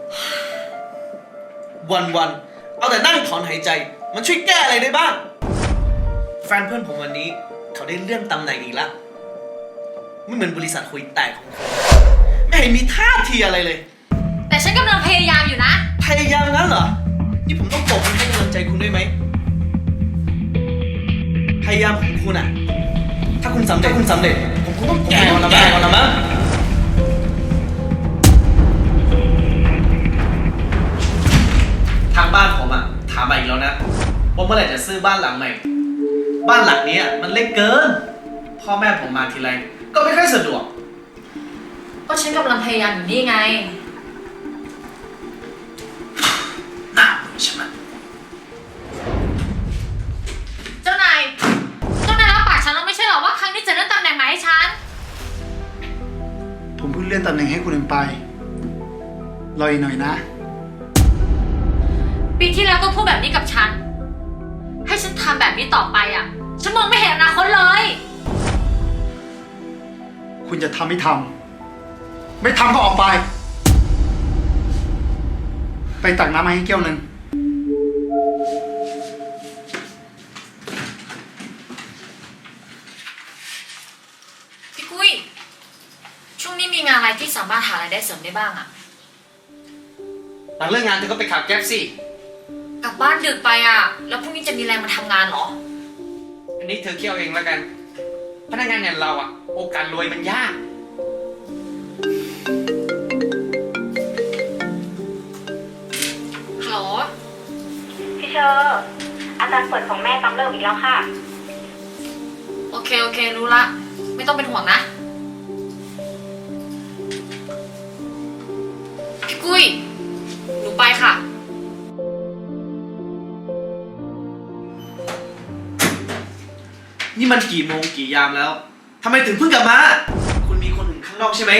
วันเอาแต่นั่งถอนหายใจมันช่วยแก้อะไรได้บ้างแฟนเพื่อนผมวันนี้เขาได้เลื่อนตำแหน่งอีกแล้วไม่เหมือนบริษัทคุยแตกของคุณไม่เห็นมีท่าทีอะไรเลยแต่ฉันกำลังพยายามอยู่นะพยายามงั้นเหรอนี่ผมต้องปกป้องให้กำลังใจคุณด้วยไหมพยายามของคุณอะถ้าคุณสำเร็จผมคงต้องแก่ก่อนละมั้งทางบ้านผมอะถามมาอีกแล้วนะว่าเมื่อไหร่จะซื้อบ้านหลังใหม่บ้านหลังนี้มันเล็กเกินพ่อแม่ผมมาทีไรก็ไม่ค่อยสะดวกก็ฉันกำลังพยายามอยู่นี่ไงน่าใช่ไหมเจ้านายรับปากฉันแล้วไม่ใช่หรอว่าครั้งนี้จะเลื่อนตำแหน่งใหม่ให้ฉันผมเพิ่งเลื่อนตำแหน่งให้คุณเองไปรออีกหน่อยนะปีที่แล้วก็พูดแบบนี้กับฉันให้ฉันทำแบบนี้ต่อไปอ่ะฉันมองไม่เห็นอนาคตเลยคุณจะทำไม่ทำไม่ทำก็ออกไปตักน้ำมาให้แก้วหนึ่งพี่กุ้ยช่วงนี้มีงานอะไรที่สามารถหารายได้เสริมได้บ้างอ่ะหลังเลิกงานเธอก็ไปขับแก๊ปสิกลับบ้านดึกไปอ่ะแล้วพรุ่งนี้จะมีแรงมาทำงานเหรออันนี้เธอเคี่ยวเองแล้วกันพนักงานอย่างเราอ่ะโอกาสรวยมันยากฮัลโหลพี่เชอร์อาจารย์เปิดของแม่ซ้ำเริ่มอีกแล้วค่ะโอเครู้ละไม่ต้องเป็นห่วงนะพี่กุ้ยหนูไปค่ะนี่มันกี่โมงกี่ยามแล้วทำไมถึงเพิ่งกลับมาคุณมีคนอื่นข้างนอกใช่ไหม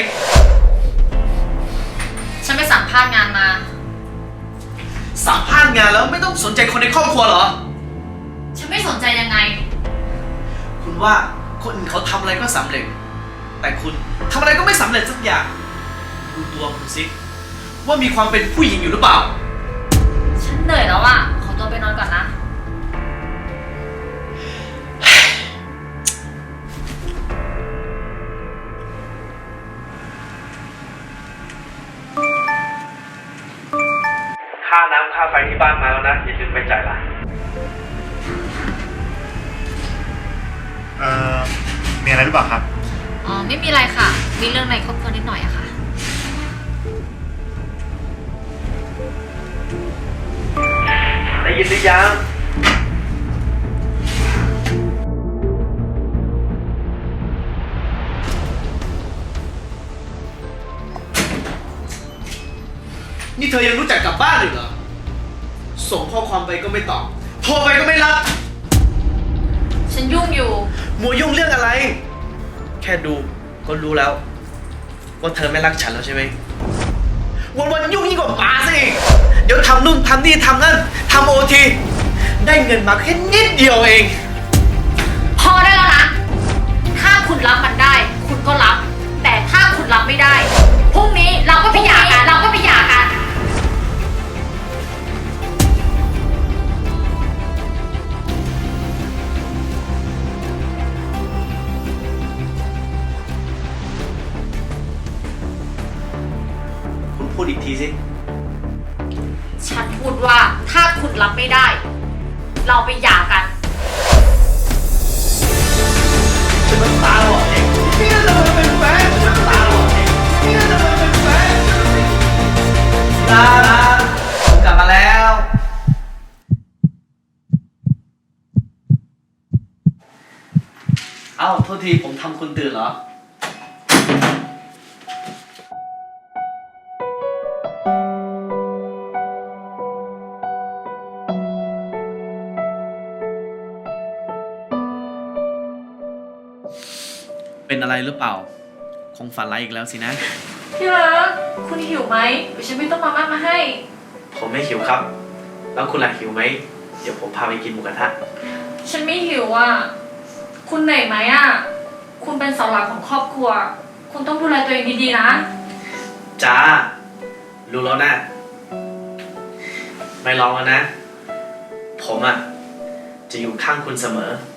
ฉันไปสัมภาษณ์งานมาสัมภาษณ์งานแล้วไม่ต้องสนใจคนในครอบครัวเหรอฉันไม่สนใจยังไงคุณว่าคนอื่นเขาทำอะไรก็สำเร็จแต่คุณทำอะไรก็ไม่สำเร็จสักอย่างดูตัวคุณสิว่ามีความเป็นผู้หญิงอยู่หรือเปล่าฉันเหนื่อยแล้วอ่ะขอตัวไปนอนก่อนนะค่าน้ำค่าไฟที่บ้านมาแล้วนะอย่าลืมไปจ่ายละมีอะไรหรือเปล่าครับอ๋อไม่มีอะไรค่ะมีเรื่องในครอบครัวนิดหน่อยอะค่ะได้ยินหรือยังนี่เธอยังรู้จักกลับบ้านอีกเหรอส่งข้อความไปก็ไม่ตอบโทรไปก็ไม่รับฉันยุ่งอยู่มัวยุ่งเรื่องอะไรแค่ดูก็รู้แล้วว่าเธอไม่รักฉันแล้วใช่ไหมวันยุ่งยิ่งกว่าหมาสิเดี๋ยวทำนู่นทำนี่ทำนั่นทำOTได้เงินมาแค่นิดเดียวเองพอได้แล้วนะถ้าคุณรับมันได้คุณก็รับแต่ถ้าคุณรับไม่ได้พรุ่งนี้เราก็ไปหย่ากันคุณพูดอีกทีสิฉันพูดว่าถ้าคุณรับไม่ได้เราไปหย่ากันฉันน้ำตาหล่อเองพี่น่าจะมาเป็นแฟนฉันน้ำตาหล่อเองพี่น่าจะมาเป็นแฟนผมกลับมาแล้วเอ้าโทษทีผมทำคุณตื่นเหรอเป็นอะไรหรือเปล่าคงฝันร้ายอีกแล้วสินะพี่รักคุณหิวไหมเดี๋ยวฉันไม่ต้องมาม่ามาให้ผมไม่หิวครับแล้วคุณล่ะหิวไหมเดี๋ยวผมพาไปกินหมูกระทะฉันไม่หิวอ่ะคุณเหนื่อยไหมอ่ะคุณเป็นเสาหลักของครอบครัวคุณต้องดูแลตัวเองดีๆนะจ้ารู้แล้วนะไม่ร้องแล้วนะ ผมอ่ะ จะอยู่ข้างคุณเสมอ